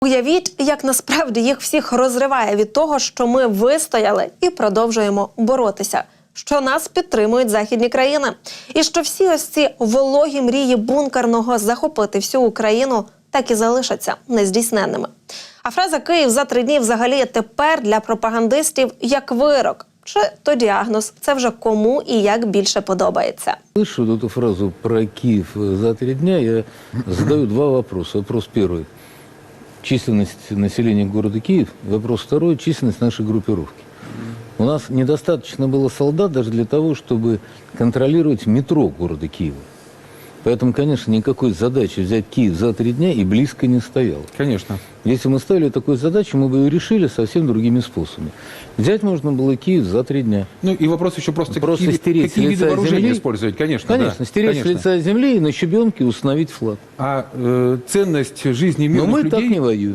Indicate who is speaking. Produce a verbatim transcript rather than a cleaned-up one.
Speaker 1: Уявіть, як насправді їх всіх розриває від того, що ми вистояли і продовжуємо боротися, що нас підтримують західні країни, і що всі ось ці вологі мрії бункерного захопити всю Україну так і залишаться нездійсненними. А фраза «Київ за три дні» взагалі тепер для пропагандистів як вирок. Чи то діагноз? Це вже кому і як більше подобається.
Speaker 2: Слышу вот эту фразу про Киев за три дня, я задаю два вопроса. Вопрос первый. Численность населения города Киев. Вопрос второй. Численность нашей группировки. У нас недостаточно было солдат даже для того, чтобы контролировать метро города Киева. Поэтому, конечно, никакой задачи взять Киев за три дня и близко не стояло.
Speaker 3: Конечно.
Speaker 2: Если мы ставили такую задачу, мы бы ее решили совсем другими способами. Взять можно было Киев за три дня.
Speaker 3: Ну и вопрос еще просто,
Speaker 2: Просто
Speaker 3: какие,
Speaker 2: стереть
Speaker 3: какие
Speaker 2: с
Speaker 3: виды
Speaker 2: лица
Speaker 3: вооружения
Speaker 2: земли.
Speaker 3: использовать, конечно.
Speaker 2: Конечно,
Speaker 3: да,
Speaker 2: стереть
Speaker 3: конечно.
Speaker 2: с лица земли и на щебенке установить флаг.
Speaker 3: А э, ценность жизни
Speaker 2: Но
Speaker 3: мирных
Speaker 2: мы
Speaker 3: людей...
Speaker 2: так не воюем.